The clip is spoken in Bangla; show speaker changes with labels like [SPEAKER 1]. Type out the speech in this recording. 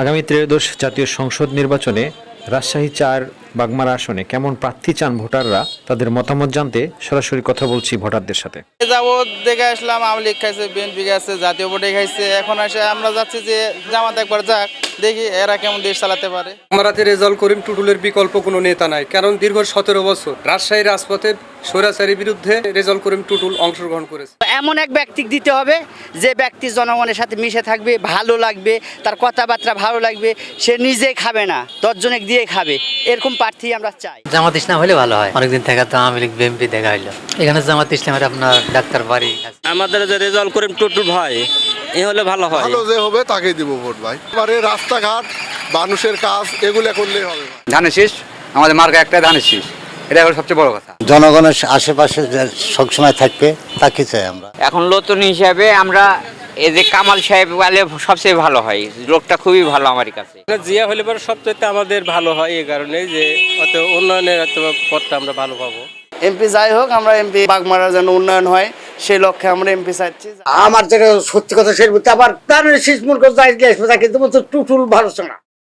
[SPEAKER 1] আগামী ত্রয়োদশ জাতীয় সংসদ নির্বাচনে রাজশাহী ৪ বাগমারা আসনে কেমন প্রার্থী চান ভোটাররা, তাদের মতামত জানতে সরাসরি কথা বলছি ভোটারদের সাথে।
[SPEAKER 2] যাবৎ দেখে আসলাম আওয়ামী লীগ খাইছে, বিএনপি খাইছে, জাতীয় পার্টি খাইছে। এখন এসে আমরা যাচ্ছি যে জামাত একবার যাক, দেখি এরা কেমন দেশ চালাতে পারে।
[SPEAKER 3] বাগমারাতে রেজাউল করিম টুটুলের বিকল্প কোনো নেতা নাই, কারণ দীর্ঘ 17 বছর রাজশাহী রাজপথে স্বৈরাচারীর বিরুদ্ধে রেজাউল করিম টুটুল অংশগ্রহণ করেছে।
[SPEAKER 4] এমন এক ব্যক্তি দিতে হবে যে ব্যক্তি জনগণের সাথে মিশে থাকবে, ভালো লাগবে, তার কথাবার্তা ভালো লাগবে, সে নিজে খাবে না, 10 জনের দিয়ে খাবে, এরকম প্রার্থী আমরা চাই।
[SPEAKER 5] জামাত ইসলাম হলে ভালো হয়। অনেকদিন থেকে তো আওয়ামী লীগ বিএনপি দেখা হইলো, এখানে জামাত ইসলামের আপনার ডাক্তার বাড়ি
[SPEAKER 6] আমাদের যে রেজাউল করিম টুটুল ভাই এ হলে ভালো হয়।
[SPEAKER 7] ভালো যে হবে তাকেই দিব ভোট ভাই। এবারে রাস্তাঘাট, মানুষের কাজ এগুলো করলেই হবে।
[SPEAKER 8] ধানের শীষ, আমাদের মার্কা একটাই ধানের শীষ, এটা হলো সবচেয়ে বড় কথা।
[SPEAKER 9] জনগণের আশেপাশে সবসময় থাকবে তাকে চাই আমরা।
[SPEAKER 10] এখন নতুন হিসাবে আমরা এই যে কামাল সাহেব বলে সবচেয়ে ভালো হয়, লোকটা খুবই ভালো আমার কাছে।
[SPEAKER 6] জিয়া হলে পরে সবচেয়ে আমাদের ভালো হয়, এই কারণে যে অত উন্নয়নের পথটা আমরা ভালো পাবো।
[SPEAKER 2] এমপি যাই হোক, আমরা এমপি বাগমারার যেন উন্নয়ন হয় সেই লক্ষ্যে আমরা এমপি চাচ্ছি।
[SPEAKER 9] আমার যেটা সত্যি কথা সেই আবার তার শীষ মূর্খ যাই কিন্তু টুটুল ভরসা না।